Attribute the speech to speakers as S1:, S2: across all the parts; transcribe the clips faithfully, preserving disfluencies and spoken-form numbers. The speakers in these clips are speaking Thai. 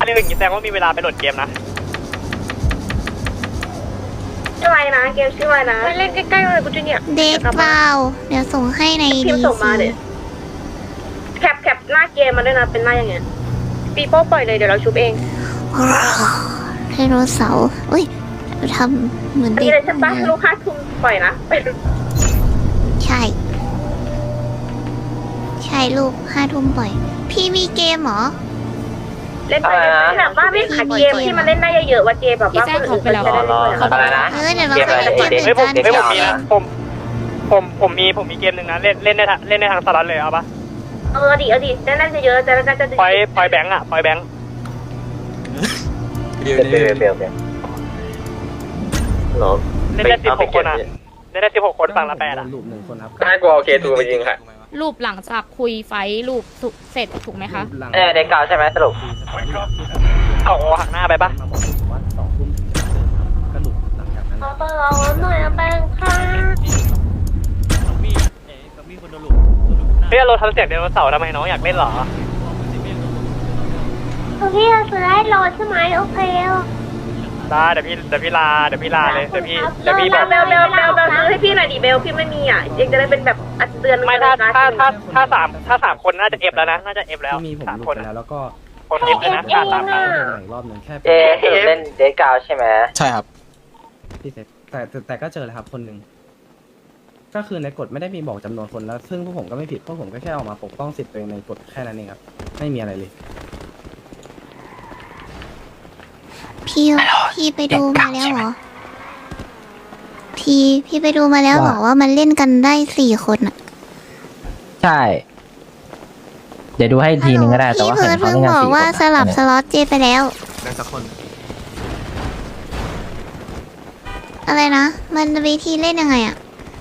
S1: อันนี้อย่างนี้แสดงว่ามีเวลาไปโหลดเกมนะ
S2: ชื่ออะไรนะเกมชื่ออะไรนะเล่นใกล้ๆเลยกูจะเนี่ย
S3: เดทเปล่าเดี๋ยวส่งให้ใน
S2: พิ
S3: ดี
S2: มพ์ส่งมาเดี๋ยวแคปแคปหน้าเกมมาด้วยนะเป็นหน้าอย่างเงี้ยปีโป้ปล่อยเลยเดี๋ยวเราชุบเอง
S3: ไดโนเสาร์อุ้ยทำเหมือน
S2: อัน
S3: เด็
S2: นี้
S3: ก
S2: เลยใช่ปะลูกค้าทุ่มปล่อยนะไปดู
S3: ใช่ ใช่ลูกห้าทุ่มปล่อย พี่มีเกมเหรอ
S2: เล่นไปแบบว่าไม่ขาดเกมที่มันเล่นได้เยอะๆว่าเกมแบบว่าคนอื่นจะได้เล่นด้วย
S4: อะไรนะ
S3: เออเดี๋ยวเราไปเกม
S1: เฮ้ยผม
S3: เหมือน
S1: เฮ้ย
S3: กั
S1: ผมมีนะผมผมผมมีผมมีเกมหนึ่งนะเล่นเล่นได้เล่นได้ทางสลัดเลยเอาปะ
S2: เออดิเออดิเล่นได้เยอะๆจะจะจะ
S1: ปล่อยปล่อยแบงค์อะปล่อยแบงค์
S4: เบลเบลเบลเบลหรอ
S1: เล่นได้สิบหกคนอะเล่นได้สิบหกคนฝั่งละแปดอะ
S5: รูปหนึ่งคนครับ
S4: น่ากลัวโอเคตูไปยิงค่ะ
S6: รูปหลังจากคุยไฟท์รูปสุเสร็จถูกไหมคะ
S4: เออเด็กเก่าใช่ไหมสรุป
S1: เอาหักหน้าไปปะ
S5: มาบอกผมว่าสองทุ่มถึงจะเดินครับก็หลุดหลังจากนั้น
S2: เอาไปเอาหน่อยแป้งค่ะ
S1: เฮ้ยเราทำเสียงไดโนเสาร์ทำไมน้องอยากเล่นเหรอ
S2: พี่จะซื้อให้โหลดใช่ไหมโอเค
S1: ได้เดี๋ยวพี่เดี๋ยวพี่ลาเดี๋ยวพี่ลาเลยเดี๋ยวพี่
S2: เบ
S1: เดี๋ยว
S2: ล
S1: พี่
S2: เบ
S1: แบ
S2: ล
S1: บ
S2: เบลเบลเบลเบลซื้อให้พี่หน่อยดิเบลพี่ไม่มีอ่ะยังจะได้เป็นแบบอัดเตือน
S1: ไม่ถ้าถ้าถ้าถ้าสามถ้าสามคนน่าจะเอฟแล้วนะน่าจะเอฟแล้ว
S5: ที่มีผม
S1: สาม
S5: หลุด
S1: คน
S5: ไป
S1: อะ
S5: แล้วแล้วก็
S1: คนเอฟเลยนะขาดสามครั้ง
S5: เดินอีกรอบหนึ่งแค่
S4: เจเล่นเด็กเก่าใช่ไหม
S7: ใช่ครับ
S5: พี่เสร็จแต่แต่แต่ก็เจอเลยครับคนหนึ่งก็คือในกฎไม่ได้มีบอกจำนวนคนแล้ว ซึ่งพวกผมก็ไม่ผิดพวกผมก็แค่ออกมาปกป้องสิทธิ์ตัวเองในกฎแค่นั้นเองครับไม่มีอะไรเลย
S3: พี่พี่ไปดูมาแล้วเหรอ พี่พี่ไปดูมาแล้วบอกว่ามันเล่นกันได้สี่คนอะ
S8: ใช่ เดี๋ยวดูให้ทีนึงก็ได้แต่
S3: พี่
S8: ว่า
S3: เพิ
S8: เห็
S3: ร์
S8: น
S3: ด
S8: เขา
S3: เพิ่ง
S8: เล่นกัน
S3: บอก
S8: สี่
S3: ว่า
S8: คน
S3: สลับสล็อตเจไปแล้ว
S7: ได้สักคน
S3: อะไรนะ มันวิธีเล่นยังไงอะ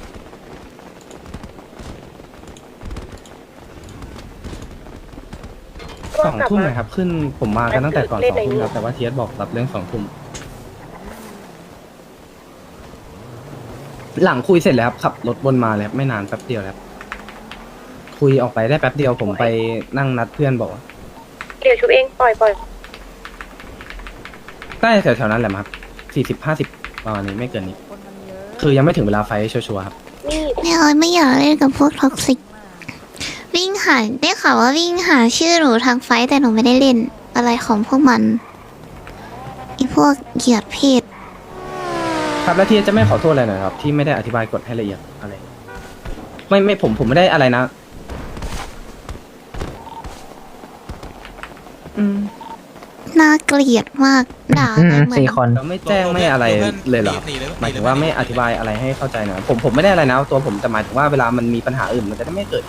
S5: สองทุ่มนะครับขึ้นผมมากันตั้งแต่ก่อนสองทุ่มแล้วแต่ว่าเทียสบอกรับเรื่องสองทุ่มหลังคุยเสร็จแล้วครับขับรถวนมาเลยครับไม่นานแป๊บเดียวแล้วคุยออกไปได้แป๊บเดียวผมไปนั่งนัดเพื่อนบอกว่า
S2: เดี๋ยวชุบเองปล่อยปล่อย
S5: ใกล้แถวๆนั้นแหละครับสี่สิบห้าสิบประมาณนี้ไม่เกินนี้ คือยังไม่ถึงเวลาไฟชัวร์ๆครับ
S2: นี่
S3: ไม่เอาไม่อยากเล่นกับพวกท็อกซิก วิ่งหาได้ข่าวว่าวิ่งหาชื่อหนูทางไฟท์แต่หนูไม่ได้เล่นอะไรของพวกมันไอพวกเหยียดเพศ
S5: ครับแล้วที่จะไม่ขอโทษอะไรหน่อยครับที่ไม่ได้อธิบายกฎให้ละเอียดอะไร ไม่ไม่ผมผมไม่ได้อะไรนะ อืม
S3: น่าเกลียดมากด่า
S8: อื
S3: ไป
S8: ม
S3: เหมือน
S8: สี่คน
S5: เราไม่แจ้งไม่อะไรเลยเหรอครับหมายถึงว่าไม่อธิบายอะไรให้เข้าใจหนะผมผมไม่ได้อะไรนะตัวผมแต่หมายถึงว่าเวลามันมีปัญหาอื่นมันจะได้ไม่เกิด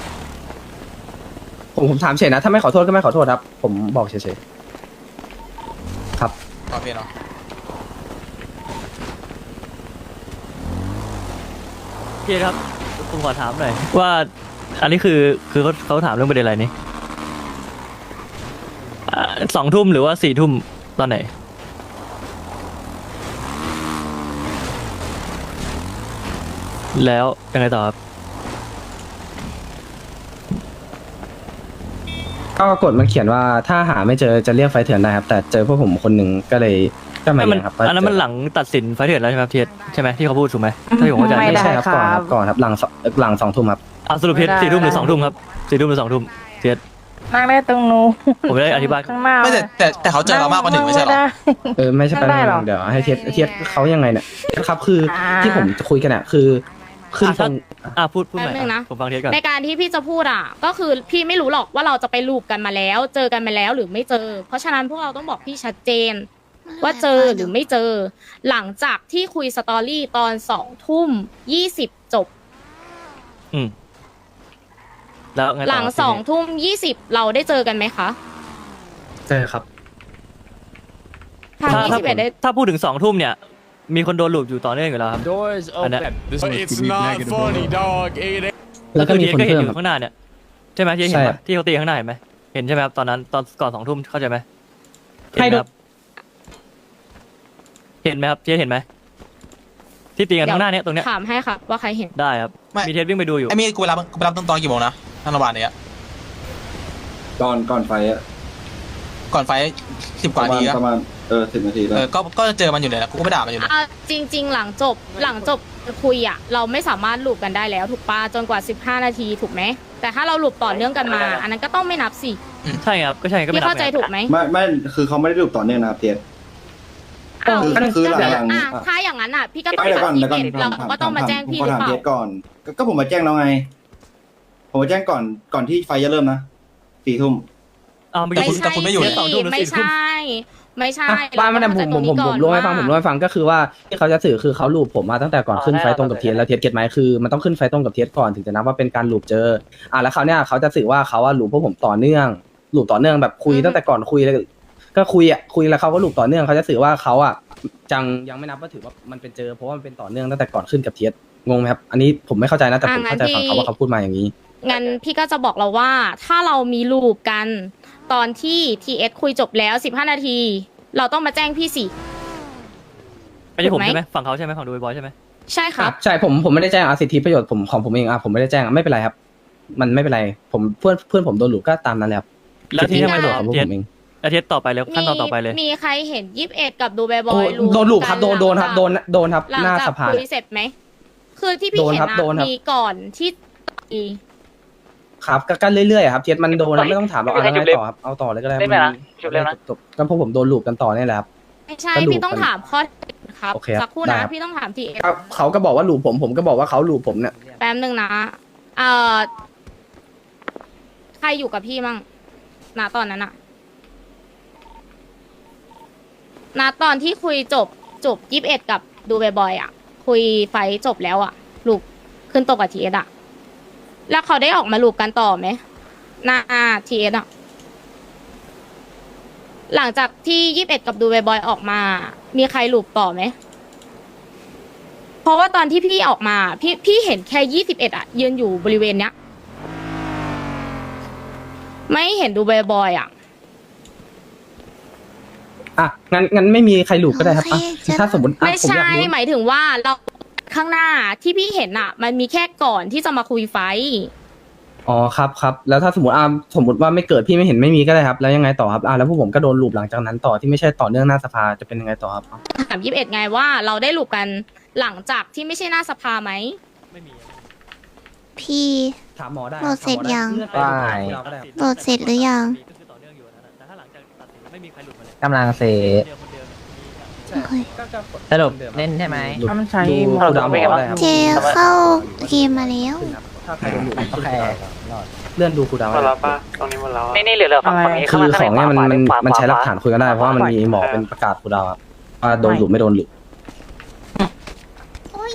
S5: ผมผมถามเฉยนะถ้าไม่ขอโทษก็ไม่ขอโทษครับ ผมบอกเฉยๆครับ
S7: โอเคเนาะ
S9: พี่ครับผมขอถามหน่อยว่าอันนี้คือคือเขาเขาถามเรื่องประเด็นอะไรนี่อ่าสองทุ่มหรือว่าสี่ทุ่มตอนไหนแล้วยังไงต่อครับ
S5: ก็กฎมันเขียนว่าถ้าหาไม่เจอจะเรียกไฟเถื่อนได้ครับแต่เจอพวกผมคนหนึ่งก็เลยก็มา
S9: อัน
S5: อ
S9: นั้นมัน
S5: ย่างครับว่า
S9: อันนั้นมันหลังตัดสินไฟเถื่อนแล้วใช่ไหมครับเทียใช่ไหมที่เขาพูดถูกไหมถ้าที่ผมเข้าใจ
S5: ไม่ใช่ครับก่อนครับก่อนครับหลังสองหลังสองทุ่มครับ
S9: อ่ะสรุปเทียสี่ทุ่มหรือสองทุ่มครับสี่ทุ่มหรือสองทุ่มเทีย
S10: นั่งได้ตรงนู้น
S9: ผมไม่ได้อธิบาย
S10: ข้างหน้า
S7: ไม่แต่แต่แต่เขาเจอเรามากกว่าหนึ่งไม่ใช่เหรอ
S5: เออไม่ใช่
S10: ไม่
S5: ปัญ
S10: ได้
S5: หา
S10: หรอก
S5: เดี๋ยวให้เทียบเทียบเขายังไงเนี่ยครับคือ
S10: อ่า
S5: ที่ผมจะคุยกันเนี่ยคือขึ้นตรง
S9: อ่ะพูดพูดใหม่
S6: แป๊บนึงนะ
S9: อ่ะผมฟังเทียก่อน
S6: ในการที่พี่จะพูดอ่ะ ก็คือพี่ไม่รู้หรอกว่าเราจะไปลูปกันมาแล้ว เจอกันมาแล้วหรือไม่เจอ เพราะฉะนั้นพวกเราต้องบอกพี่ชัดเจน ว่าเจอหรือไม่เจอ หลังจากที่คุยสตอรี่ตอนสองทุ่มยี่สิบจบ
S9: อืมแล้วไงต่อ
S6: หลัง
S9: ทีนี้
S6: สองทุ่มยี่สิบเราได้เจอกันไหมคะ
S5: เจอครับ
S6: ทาง
S9: ถ้า
S6: ยี่
S9: ถ้า
S6: สิบเอ็ดได้
S9: ถ้าพูดถึงสองทุ่มเนี่ย มีคนโดนลูบอยู่ต่อเนื่องอยู่แล้วครับ อันเนี้ย
S7: It's not funny dog
S5: แล้วก็มีคน
S9: เทียก็เห็น
S5: เพิ่
S9: อ
S5: ม
S9: ยู่ข้างหน้าเนี่ยใช่ไหมที่เห็น
S5: ใช่
S9: ปะที่เขาตีข้างหน้าเห็นไหมเห็นใช่ไหมครับตอนนั้นตอนก่อนสองทุ่มเข้าใจไหมเห็น
S5: ให้
S9: ไหม
S5: ดู
S9: ครับเห็นไหมครับเทียเห็นไหมที่ตีกันข้างหน้าเนี่ยตรงเนี้ย
S6: ถามให้ค่ะว่าใครเห็น
S9: ได้ครับ
S7: ไม่
S9: มีเทียวิ่งไปดูอยู่
S7: ไอ้มีกูไปรับกูไปรับตอนตอนกี่โมงนะทางโรงพยาบาลเนี้ย
S5: ก่อนก่อนไฟอะ
S7: ก่อนไฟสิบกว่านาทีอะ
S10: ประมาณเออสิบนาทีแล้
S7: เอ
S10: ว
S7: อก็ก็เจอมันอยู่เลยนะกูก็ไม่ด่ามันอยู่เลย
S6: อ่ะจริง ๆ หลังจบหลังจบคุยอ่ะเราไม่สามารถลูปกันได้แล้วถูกปะจนกว่าสิบห้านาทีถูกไหมแต่ถ้าเราลูปต่อเนื่องกันมา อันนั้นก็ต้องไม่นับสิ
S9: ใช่ครับก็ใช่ก็ไม่
S6: พี่
S9: นับ
S6: เข้าใจ
S9: ไง
S6: ถูกไหม
S10: ไม่ไม่คือเขาไม่ได้รูปต่อเนื่องนะครับเทียน
S6: อ้าว
S10: คือคือหลังๆ
S6: อ่ะ
S10: อ่ะ
S6: ถ้าอย่างนั้นอ่ะพี่ก็ต้อง
S10: ไม่เดี๋ยวก่อน
S6: ถาม
S10: เดี๋ยวก่อน
S6: พี่เเราก็ต้องมาแจ้งพี่
S10: ผ
S6: หรือ
S10: ถาม
S6: เปล่า
S10: เทียนก่อนก็ก็ผมมาแจ้งแล้วไง ผมมาแจ้งก่อนก่อนที่ไฟจะเริ่มนะสี่ทุ่ม
S9: อ้าวเมื่อ
S6: ไม่
S9: กี้คุณ
S6: ใช่
S9: แต่คุณไม่อยู่
S6: สิ
S9: นะสองทุ่มหรือ
S6: ไม่
S9: สี่ทุ่ม
S6: ใช่ ไม่ใช่
S5: อ่ะบ้านมันผมผมผมผมรู้ให้ฟังผมรู้ให้ฟังก็คือว่าที่เขาจะสื่อคือเขาลูบผมมาตั้งแต่ก่อนขึ้นไฟตรงกับเทียนแล้วเทียนเก็ตไหมคือมันต้องขึ้นไฟตรงกับเทียนก่อนถึงจะนับว่าเป็นการลูบเจออ่ะแล้วเขาเนี่ยเขาจะสื่อว่าเขาว่าลูบพวกผมต่อเนื่องลูบต่อเนื่องแบบคุยตั้งแต่ก่อนคุยเลยก็คุยอ่ะคุยแล้วเขาก็ลูบต่อเนื่องเขาจะสื่อว่าเขาอ่ะจังยังไม่นับว่าถือว่ามันเป็นเจอเพราะว่ามันเป็นต่อเนื่องตั้งแต่ก่อนขึ้นกับเทียนงงไหมครับอันนี้ผมไม่เข้าใจนะแต่ผมเข้าใจฝั่งเขาว่าเขาพูดมาอย่างนี้
S6: งั้นพี่ก็จะบอกเราว่าถ้าเรามีลูปกันตอนที่ ที เอส คุยจบแล้วสิบห้านาที เราต้องมาแจ้งพี่สิ
S9: ไม่ใช่ผม
S6: ถูกไหม
S9: ใช่ไหมฝั่งเขาใช่ไหมฝั่งดูบอยใช่ไหม
S6: ใช่ครับ
S5: ใช่ผมผมไม่ได้แจ้งอาสิทธิประโยชน์ผมของผมเองอ่ะผมไม่ได้แจ้งอ่ะไม่เป็นไรครับ มันไม่เป็นไรผมเพื่อนเพื่อนผมโดนหลูก็ตามนั้นแหละครับ
S9: แล้วที่
S5: สิท
S9: ทำ
S5: ธิ
S9: ไม
S5: ประ
S9: ห
S5: โย
S9: ร
S5: ช
S9: อ
S5: น์ของพวกผมเอง
S9: อาทิตย์ต่อไปเลยขั้นตอนต่อไปเลย
S6: มีใครเห็นยี่สิบเอ็ดกับดูเบย์บอ
S5: โอ้
S6: ยลูป
S5: โดนหลูครับโดนโดนครับ
S6: กั
S5: โดนโดนครับ
S6: หลัง
S5: หน้า
S6: จาก
S5: สภา
S6: คุยเสร็จไหมคือที่พี่
S5: โดน
S6: เห็น
S5: ครับ
S6: นะ
S5: โดนครับ
S6: มีก่อนที่ตี
S5: ครับก็กันเรื่อยๆครับเทียนมันโดนแล้วไม่ต้องถามเราอะไรต่อครับเอาต่อเลยก็ได้
S4: เล่นไหมนะจบเล่นนะ
S5: จบๆก็พวกผมโดนหลูกันต่อเนี่ยแหละครับ
S6: ไม่ใช่
S5: ก็ลูป
S6: พี่ต้องถามข้อเท็จจริงครับ
S5: โอเคครับ
S6: สักครู่
S5: ได้
S6: นะครับ พี่ต้องถามทีเอส
S5: ก็เขาก็บอกว่าหลูผมผมก็บอกว่าเขาหลูผมเนี่ย
S6: แป๊บนึงนะเอ่อใครอยู่กับพี่มั่งณตอนนั้นอะณตอนที่คุยจบจบยี่สิบเอ็ดกับดูเบย์บอยอะคุยไฟจบแล้วอะลูกขึ้นตกกับทีเอสอะแล้วเขาได้ออกมาลูกกันต่อไหมหน้าทีเอสอะหลังจากที่ยี่สิบเอ็ดกับดูเบย์บอยออกมา มีใครลูกต่อไหม เพราะว่าตอนที่พี่ออกมา พี่พี่เห็นแค่ยี่สิบเอ็ดอะยืนอยู่บริเวณเนี้ย ไม่เห็นดูบ่อยๆอะ
S5: อ่ะงั้นงั้นไม่มีใครหลูก็ได้ครับอ่ะ
S3: โอเค
S5: ถ้าสมมติอ่ะ
S6: ไม่
S5: ผมอ
S6: ใช่
S5: ยากรู้
S6: หมายถึงว่าเราข้างหน้าที่พี่เห็นอะมันมีแค่ก่อนที่จะมาคุยไฟท์
S5: อ๋อครับครับแล้วถ้าสมมติอ่าสมมติว่าไม่เกิดพี่ไม่เห็นไม่มีก็ได้ครับแล้วยังไงต่อครับอ่าแล้วพวกผมก็โดนลูบหลังจากนั้นต่อที่ไม่ใช่ต่อเนื่องหน้าสภาจะเป็นยังไงต่อครับ
S6: ถามยี่สิบเอ็ดไงว่าเราได้ลูกกันหลังจากที่ไม่ใช่หน้าสภาไหม
S9: ไม่มี
S3: พี่
S5: ถามหมอได้
S3: โหลดเสร็จยัง
S5: เลื่อนไป
S8: ได้
S5: ดูเราก็ได้ครับ
S3: โหลดเสร็จหรือยัง
S9: ก็คือต่อเนื่องอยู่อันนั้นแต่ถ้าหลังจากตัดสินไม่มีใครหลุดมาเลย
S8: กำลังเส
S9: เดียวคนเดียวเนี่ย
S5: ใช่
S3: โอ้ย
S5: ก็ก็
S8: สรุปเล่นใช่ไหม
S5: หลุด
S8: ถ้ามันใช้
S5: ดู
S8: หม
S5: คู
S8: ด
S5: ลดาวน์หมอได้ครับ
S3: เจเข้าเกมมาแล้ว
S5: ขึ้นครับถ้าใครโดนหลุด
S8: โอเค
S5: เลื่อนดูคูลดาวน์
S4: หมดแล้วปะตรงนี้หมดแล้วนี่นี่เหลือเหลือฝั่งฝั่งนี้
S5: คือของเนี่ยมันมัน
S4: ขวาขวา
S5: มันใช้หลัก
S4: ขว
S5: ฐานคุยกันได้เพราะว่ามันมีหมอเป็นประกาศคูลดาวน์ครับว่าโดนหลุดไม่โดนหลุด
S3: โอ้ย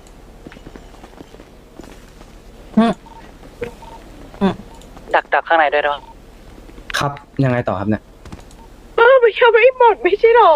S4: ดักดักข้างในด้วยด้วย
S5: ครับยังไงต่อครับเนี่ย
S2: เออมันยังไม่หมดไม่ใช่หรอ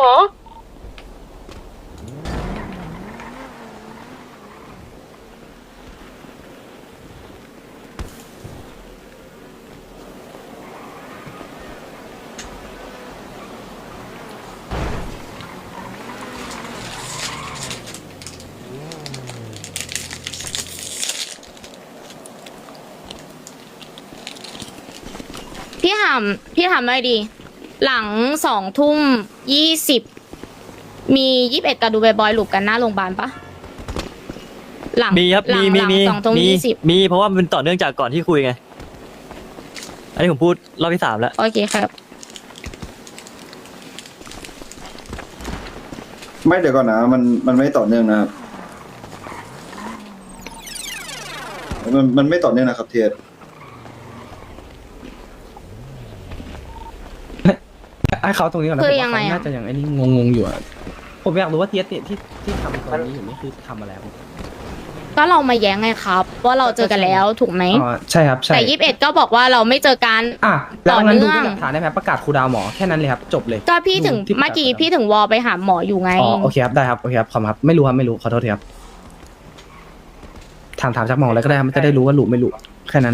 S6: พี่ถามพี่ถามไม่ดี หลังสองทุ่มยี่สิบมียี่สิบเอ็ดกับดูเบย์บอยลูกกันหน้าโรงพยาบาลปะหลัง
S9: มีครับ
S6: หลั
S9: มี
S6: ง
S9: มี
S6: หลัง
S9: มี
S6: สองทุ่ม
S9: มี
S6: ยี่สิบ
S9: มีเพราะว่ามันเป็นต่อเนื่องจากก่อนที่คุยไง อันนี้ผมพูดรอบที่สามแล้ว
S6: โอเคครับ
S10: ไม่เดี๋ยวก่อนนะมันมันไม่ต่อเนื่องนะครับมันมันไม่ต่อเนื่องนะครับเทียน
S5: ให้เขาตรงนี้ก่อนนะ
S6: คือ
S5: ผมว่า
S6: ยังไง
S5: เขา
S6: อะ
S5: น่าจะยังไอ้นี่งงๆอยู่อะผมอยากรู้ว่าเทียสเนี่ยที่ที่ทำตอนนี้อยู่นี่คือทำอะไรครับ
S6: ก็เรามาแย้งไงครับ ว่าเราเจอกันแล้วถูกไหม
S5: อ๋อใช่ครับใช่
S6: แต่ยี่สิบเอ็ดก็บอกว่าเราไม่เจอกัน
S5: อ่ะแล้วงั้นดู
S6: ต่อเนื่
S5: เป็
S6: อง
S5: นหลักฐานได้ไหมประกาศครูดาวหมอแค่นั้นเลยครับจบเลย
S6: ก็พี่ถึง
S5: ที่ประกาศ
S6: เมื่อกี้พี่ถึงวอลไปหาหมออยู่ไง
S5: อ๋อโอเคครับได้ครับโอเคครับขอบคุณครับไม่รู้ครับไม่รู้ขอโทษทีครับถามถามจากหมออะไรก็ได้ครับมันจะได้รู้ว่าหลุไม่หลุแค่นั้น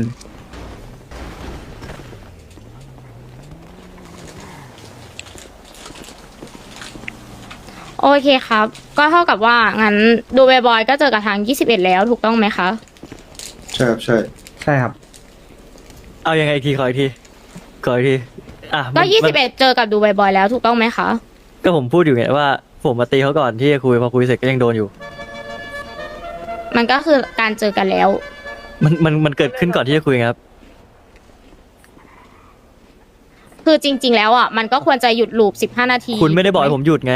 S6: โอเคครับ ก็เท่ากับว่างั้นดูเบย์บอยก็เจอกับทางยี่สิบเอ็ดแล้วถูกต้องไหมคะ
S10: ใช่ครับใช่
S5: ใช่ครับ
S9: เอายังไงอีกทีขออีกทีขออีกทีอ่ะ
S6: ก็
S9: มัน
S6: ยี่สิบเอ็ดเจอกับดูบ่อยๆแล้วถูกต้องไหมคะ
S9: ก็ผมพูดอยู่ไงว่าผมมาตีเขาก่อนที่จะคุยพอคุยเสร็จก็ยังโดนอยู่
S6: มันก็คือการเจอกันแล้ว
S9: มันมันมันเกิดขึ้นก่อนที่จะคุยไงครับ
S6: คือจริง ๆ แล้วอ่ะมันก็ควรจะหยุดลูปสิบห้านาที
S9: คุณไม่ได้บอกให้ผมหยุดไง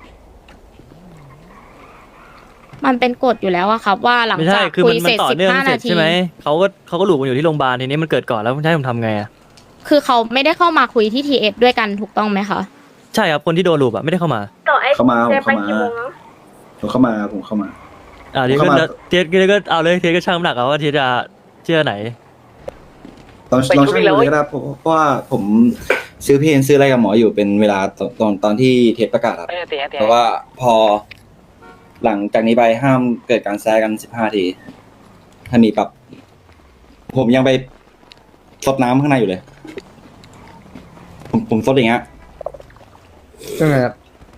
S6: มันเป็นกฎอยู่แล้วอะครับ ว่าหลัง
S9: ไม่
S6: จา
S9: ใช่
S6: ก
S9: คือ
S6: คุ
S9: มั
S6: ย
S9: น
S6: เส
S9: มัน
S6: ร็จ
S9: ต่อ
S6: สิบ
S9: เนื่อง
S6: ห้า
S9: เสร็
S6: นา
S9: จ
S6: ที
S9: ใช่ไหมเขาก็เขาก็หลุดกันอยู่ที่โรงพยาบาลทีนี้มันเกิดก่อนแล้วจะให้ผมทำไงอ่ะ
S6: คือเขาไม่ได้เข้ามาคุยที่ทีเอสด้วยกันถูกต้องไหมคะ
S9: ใช่ครับคนที่โดนหลุดอ่ะไม่ได้เข้ามา
S2: ต่อไอ้
S10: เข้ามาผม
S2: เจไป
S10: เข้ามา
S2: กี่โมงแล้ว
S10: ผมเข้ามาผมเข้ามา
S9: อ่าทีนี้ก็
S10: เข้ามา
S9: เทียก็ก็เอาเลยเทียก็ช่างน้ำหนักเอาว่าเทียจะเชื่อไหน
S10: ตอนลองช่วยดูเลยก็ได้เพราะเพราะว่าผมซื้อเพนซื้ออะไรกับหมออยู่เป็นเวลาตอนตอนตอนที่เทปประกาศครับ
S4: ไม่ได้ตีให้ตี
S10: เพราะว่าพอหลังจากนี้ไปห้ามเกิดการแซะกันสิบห้าที ถ้ามีปรับ ผมยังไปซดน้ำข้างในอยู่เลย ผมผมซดอย่างเงี้ย
S5: ยังไงครับ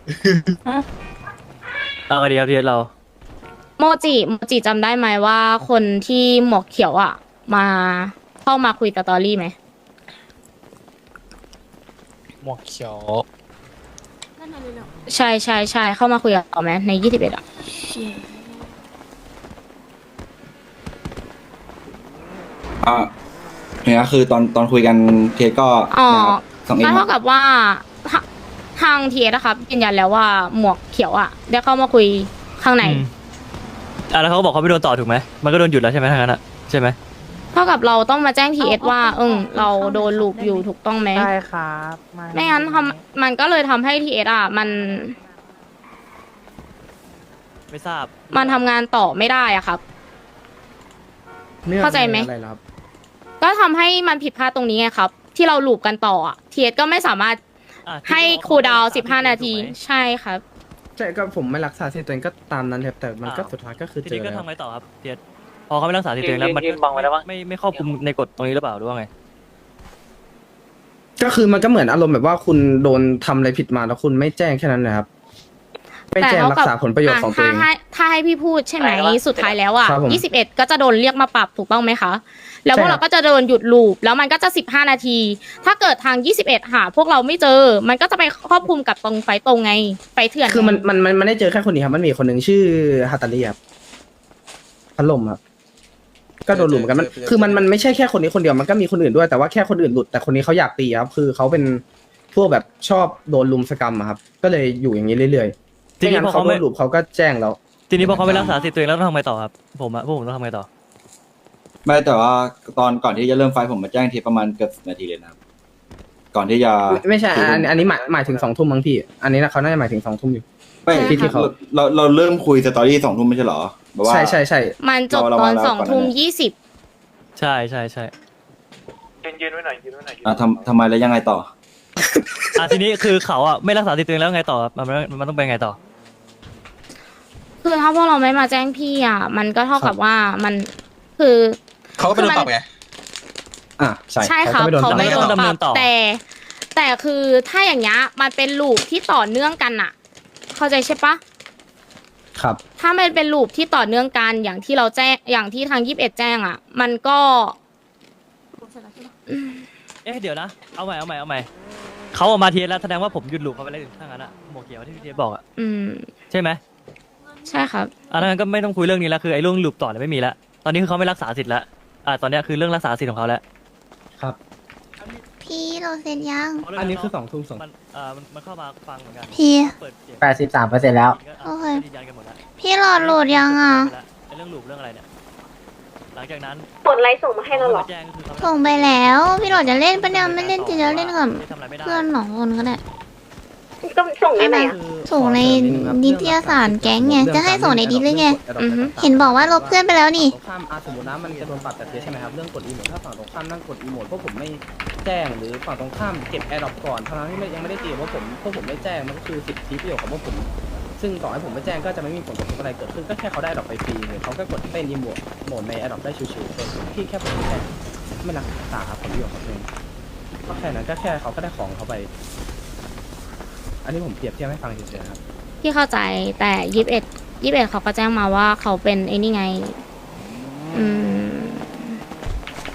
S9: เอาไงดีครับเทียเรา
S6: โมจิโมจิจำได้ไหมว่าคนที่หมวกเขียวอ่ะ มาเข้ามาคุยกับตอรี่ไหม
S7: หมวกเขียว
S6: ใช่ใช่ใช่เข้ามาคุยกับเขาไหมในยี่สิบเอ็ดอ่ะ
S10: อ่าเนี่ยคือตอนตอนคุยกันเทปก็
S6: อ๋อ
S10: นะครับสองเอ็
S6: ก็
S10: ม
S6: เท่ากับว่าทาทางทีเอสนะครับยืนยันแล้วว่าหมวกเขียวอ่ะได้เข้ามาคุยข้างใน
S9: อืมอ่ะแล้วเขาก็บอกเขาไม่โดนต่อถูกไหมมันก็โดนหยุดแล้วใช่ไหมทางนั้นอ่ะใช่ไหม
S6: เท่ากับเราต้องมาแจ้งทีเอสว่าเออเราโดนลูปอยู่ถูกต้องไหม
S4: ใช่ครับ
S6: ไม่งั้นทำมันก็เลยทำให้ทีเอสอ่ะมัน
S9: ไม่ทราบ
S6: มันทำงานต่อไม่ได้อ่ะครับ เข้าใจไหม
S5: อะไรเหรอครับ
S6: ก็ทำให้มันผิดพลาดตรงนี้ไงครับ ที่เราลูปกันต่ออ่ะทีเอสก็ไม่สามารถ
S9: อ่ะ
S6: ให้คูลดาวน์สิบห้านาที
S9: ถูกไหม
S6: ใช่ครับ
S5: ใช่ก็ผมไม่รักษาสิทธิ์ตัวเองก็ตามนั้นครับแต่มันก็สุดท้ายก็คือ
S9: ที
S5: เจ
S9: นี้
S5: อ
S9: ก็
S5: แล้ว
S9: ทำไงต่อครับเทียพอเขาไม่รักษาสิทธิ์ตัวเองแล้วมัน
S4: ยืนบังไว้แล้วมั้ง
S9: ไม่ไม่ครอบคลุมในกฎตรงนี้หรือเปล่าหรือว่าไง
S5: ก็คือมันก็เหมือนอารมณ์แบบว่าคุณโดนทำอะไรผิดมาแล้วคุณไม่แจ้งแค่นั้นนะครับไม่แจ้งรักษาผลประโยชน์ของตัวเอง
S6: ถ้าให้ถ้าให้พี่พูดใช่ไหม
S4: อะไรวะ
S6: สุดท้ายแล้วอ่ะ
S5: ครับผม
S6: ยี่สิบเอ็ดก็จะโดนเรียกมาปรับถูกต้องไหมคะ แล้วพวก
S5: ใช่ครั
S6: เรา
S5: บ
S6: ก็จะโดนหยุดลูปแล้วมันก็จะสิบห้านาที ถ้าเกิดทางยี่สิบเอ็ดหาพวกเราไม่เจอ มันก็จะไปครอบคลุมกับตรงไฟตรงไงไฟเถื่อน
S5: คือมันมันมันมันได้เจอแค่คนนี้ครับมันมีคนหนึ่งชื่อฮาตาลีครับพัดลมครับก็โดนหลุมเหมือนกันมันคือมันมันไม่ใช่แค่คนนี้คนเดียวมันก็มีคนอื่นด้วยแต่ว่าแค่คนอื่นหลุดแต่คนนี้เขาอยากตีครับคือเขาเป็นพวกแบบชอบโดนลุมสกรรมอะครับก็เลยอยู่อย่างนี้เรื่อยๆ
S9: ที
S5: ไม่
S9: นี้
S5: งั้น
S9: พอ
S5: เขา
S9: เขา
S5: โด
S9: ไม่
S5: นหลุมเขาก็แจ้งแล้ว
S9: ทีนี้พอเขาไม่รักษาสิทธิ์ตัวเองแล้วต้องทำไงต่อครับผมอะพวกผมต้องทำไงต่อ
S10: ไม่แต่ว่าตอนก่อนที่จะเริ่มไฟล์ผมมาแจ้งเทปประมาณเกือบสิบนาทีเลยนะครับ ก่อนที่จะ
S5: ไม่ไม่ใช่อันอันนี้หมายหมายถึงสองทุ่มมั้งพี่ อันนี้นะเขาน่าจะหมายถึงสองทุ่มอยู่
S10: ไม่
S5: ที่ที่เขา
S10: เราเราเริ่มคุยสตอรี่สองทุ่มไม่ใช่เหรอแบบว่า
S5: ใช่ใช่ใช่
S6: มันจบ
S10: เรา
S6: ตอน
S10: เรามาแล้ว
S6: สอง
S10: ก่อน
S6: ทุ่ม
S10: นะ
S6: ยี่สิบ
S9: ใช่ใช่ใช่
S1: ยืนยืนไว้หน่อยยืนไว้หน่อย
S10: อ่ะทำทำไมแล้วยังไงต่อ
S9: อ่ะทีนี้คือเขาอะไม่รักษาสิทธิ์ตัวเองแล้วไงต่อครับมันมันมันต้องเป็นไงต่อ
S6: คือถ้าพวกเราไม่มาแจ้งพี่อ่ะ มันก็เท่ากับว่ามันคือ
S7: เขาก็ไปโดนปรับไง
S5: อ่ะใช่
S6: ใช่ครับ
S5: เขา
S6: เขา
S5: ก็
S6: ไม่
S5: ไม่
S6: โด
S5: โด
S6: น
S5: น
S9: ดำ
S6: ป
S9: เนิ
S6: รับ
S9: นต่อ
S6: แต่ แต่คือถ้าอย่างเงี้ยมันเป็นลูปที่ต่อเนื่องกันอะเข้าใจใช่ปะ
S5: ครับ
S6: ถ้ามันเป็นลูปที่ต่อเนื่องกันอย่างที่เราแจ้งอย่างที่ทางยี่สิบเอ็ดแจ้งอะมันก็
S9: เอ๊ะเดี๋ยวนะเอาใหม่เอาใหม่เอาใหม่เขาออกมาเทียแล้วแสดงว่าผมหยุดหลุมเขาไปเลยถ้างั้นอะหมวกเขียวที่พี่เทียบอกอะ
S6: อืม
S9: ใช่ไหม
S6: ใช่ครับ
S9: อ่ะถ้างั้นก็ไม่ต้องคุยเรื่องนี้แล้วคือไอ้เรื่องหลุมต่อเนี่ยไม่มีแล้วตอนนี้คือเขาไม่รักษาสิทธิ์แล้วอ่ะตอนเนี้ยคือเรื่องรักษาสิทธิ์ของเขาแล้ว
S5: ครับ
S3: พี่เราเสร็จยัง
S5: อันนี้คือสองทุ่มสอง
S9: มันเอ่อมันมันเข้ามาฟังเหมือนกัน
S3: พี่
S9: เปิดเสียง
S8: แปดสิบสามเปอร์เซ็นต์แล้ว
S3: โอเค
S9: ยืนยันกันหมดแล้ว
S3: พี่หลอดโหลดยังอ่ะ
S9: ไอ้เรื่องหลุมเรื่องอะไรเนี่ยหลังจากนั้น
S2: กดไลค์ส่งมาให้เราเหรอ
S9: แจ้งก็คือเขา
S3: ส่งไปแล้ว พี่หลอดจะเล่นปะเนี่ยไม่เล่นจะเล่นกับ
S9: ทำอะไรไม่ได้
S3: เพื่อนสองคนก็ได้
S2: ก็ส่งได้ไหมอะ
S3: ส่งในนิตยสารแก๊งไงจะให้ส่งในดิสหรือไง
S6: อือฮึ
S3: เห็นบอกว่าลบเพื่อนไปแล้วนี่
S5: ตรงข้ามอาสมมตินะมันจะโดนปรับแต่เทียใช่ไหมครับเรื่องกดอีโมดถ้าฝั่งตรงข้ามนั่งกดอีโมดพวกผมไม่แจ้งหรือฝั่งตรงข้ามเก็บแอร์ดรอปก่อนทั้งที่ไม่ยังไม่ได้ตีว่าผมพวกผมไม่แจ้งมันก็คือสิทธิประโยชน์ของพวกผมซึ่งต่อให้ผมไม่แจ้งก็จะไม่มีผลกระทบอะไรเกิดขึ้นก็แค่เขาได้ดรอปไปฟรีเลยเขาก็กดเต้นอีโมดโหมดในแอร์ดรอปได้ชิวๆส่วนผมที่แค่ผมไม่แจ้งไม่รักษาผลประโยชน์ของตัวเองก็แค่นั้นก็แค่เขาก็ได้ของเขาไป อันนี้ผมเปรียบเทียบให้ฟังเฉยๆครับ
S6: พี่เข้าใจแต่ยี่สิบเอ็ดยี่สิบเอ็ดเขาก็แจ้งมาว่าเขาเป็นไอ้นี่ไง อืม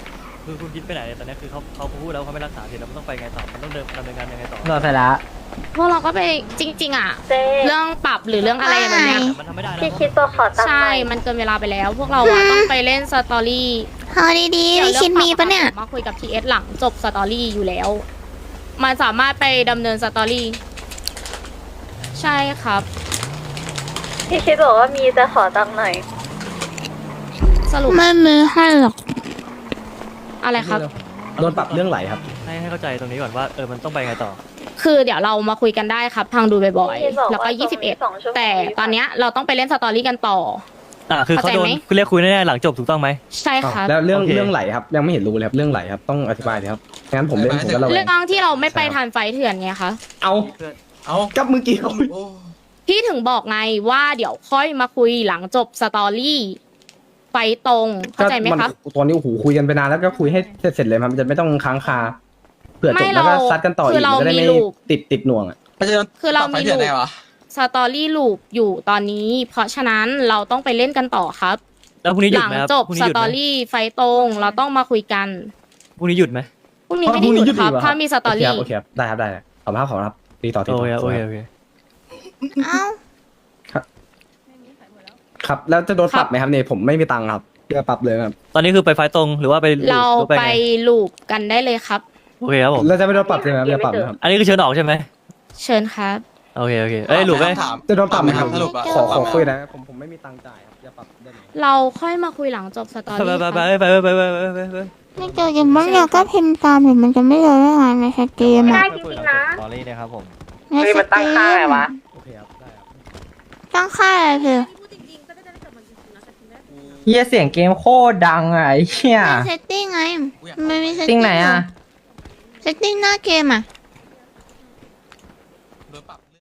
S9: คือคุณคิดไปไหนเนี่ยตอนนี้คือเขาเขาพูดแล้วเขาไม่รักษาสิทธิ์แล้วมันต้องไปไงต่อมันต้องเดินดำเนินการยังไงต่อ
S8: รอดไปละ
S6: พวกเราก็ไปจริง ๆ อ่ะ เรื่องปรับหรือเรื่องอะไรแบบเนี้ย
S9: มันทำไม่ได้นะ
S2: พี่คิดตัวขอตังค์ห
S6: ใช่
S2: น่อย
S6: มันเกินเวลาไปแล้ว พวกเราอะต้องไปเล่นสตอรี่
S3: เอาดีๆพี่คิดมีปะเนี่ย
S6: มาคุยกับทีเอสหลังจบสตอรี่อยู่แล้ว มันสามารถไปดำเนินสตอรี่ ใช่ครับ
S2: พี่คิดบอกว่ามีจะขอตังค์หน่อย
S6: สรุป
S3: ไม่มีให้หรอก
S6: อะไรครับ
S5: โดนปรับเรื่องไหลครับ
S9: ให้ให้เข้าใจตรงนี้ก่อนว่าเออมันต้องไปไงต่อ
S6: คือเดี๋ยวเรามาคุยกันได้ครับทางดูบ่อย
S2: พี่บอก
S6: ๆ แล้วก็
S2: ว่า
S6: ยี่สิบเอ็ด
S2: สองชั่วโมง
S6: แต่ตอนเนี้ยเราต้องไปเล่นสตอรี่กันต่อ
S9: อ่าคือเขาโดน
S6: เข้าใจไหม
S9: คุณเรียกคุยแน่ๆหลังจบถูกต้องไหม
S6: ใช่ครับ
S5: แล้วเรื่อง
S9: โอเค
S5: เรื่องไหลครับยังไม่เห็นรู้เลยครับเรื่องไหลครับต้องอธิบายเลยครับงั้นผมเล่นผมก็ระแว
S6: เรื่อง งที่เราไม่ไปทานไฟเถื่อนไงคะ
S5: เอา
S7: เอ้า
S5: กับเมื่อกี้เขา
S7: โอ้
S6: พี่ถึงบอกไงว่าเดี๋ยวค่อยมาคุยหลังจบสตอรี่ไฟตรงเข้าใจไหมคะ
S5: ตอนนี้โอ้โหคุยกันไปนานแล้วก็คุยให้เสร็จๆเลยมันจะไม่ต้องค้างคาเผื่อจ
S6: ไม่
S5: บแล้วก็
S6: เรา
S5: ซัดกันต่ออี
S6: คื
S5: ก
S6: อเรา
S5: จะได้
S6: มี
S5: ไม่
S6: ลูก
S5: ติดติดหน่วงอ่ะ
S7: ไม่ใช่
S6: คือเรา
S7: ปบไฟ
S6: มี
S7: เถื่อน
S6: ลู
S7: ได้
S6: ก
S7: วะ
S6: สตอรี่ลูปอยู่ตอนนี้ เพราะฉะนั้นเราต้องไปเล่นกันต่อครับ
S9: แล้วพรุ่งนี้ห
S6: ห
S9: ยุด
S6: ลัง
S9: ไหมครับ
S6: จบ
S9: พรุ่ง
S6: ส
S9: นี้หยุด
S6: ต
S9: ไห
S6: อ
S9: ม
S6: รี่ไฟตรงเราต้องมาคุยกัน
S9: พรุ่งนี้หยุดไหม
S6: พรุ่งนี้ไม่ได้หยุดครับ
S5: พรุ่งนี้หยุดอีกเหรอ
S6: ถ้ามีสตอรี่
S5: โอเคครับโอเคครับได้ครับได้ครับขอบคุณครับขอบคุณครับตีต่อตี
S9: โอ
S5: ต่อ
S9: เคโอเคโอเค
S3: เอ้า
S5: ครับแล้วจะโดนปรับไหมครับเนี่ยผมไม่มีตังค์ครับจะปรับเลยครับ
S9: ตอนนี้คือไปไฟล์ตรงหรือว่าไป
S6: เรา
S9: หอ
S6: ไป
S9: ไง
S6: ลูปกันได้เลยครับ
S9: โอเคครับผม
S5: แล้วจะไม่โดนปรับใช่ไหมครับจะปรับไหมครับ
S9: อันนี้คือเชิญออกใช่ไหม
S6: เชิญครับ
S9: โอเคโอเคเอ้ยหลุมไหม
S7: ถาม
S5: จะโดนปรับไหมครับ
S7: สรุปอะ
S5: ขอขอคุยนะผมผมไม่มีตังค์จ่ายครับจะปรับได้ไหม
S6: เราค่อยมาคุยหลังจบสตอ
S9: ไป
S6: รี่
S9: ไป
S6: ค
S9: ไป
S6: รับ
S9: ไปไปไปไปไปไปไป
S3: ไม่เจอกันบ้างเราก็พิมพ์ตามเห็นมันจะไม่เลยได้ไงในแชทเกม
S2: ไม่
S3: อะ
S2: ได้จริงๆนะ
S9: ตอรี่นะครับผม
S3: ในแชทเกม
S5: โอเคครับได้ครับ
S3: ตั้งค่าอะไรคือ
S8: เฮียเสียงเกมโคตรดังอ่ะไอ้เฮีย
S3: เซตติ้งไงมันมีเซต
S8: ติ้
S3: ติ้
S8: ง
S3: ง
S8: ไหนอ่ะ
S3: เซตติ้งหน้าเกมอ่ะ
S7: โดนปรับ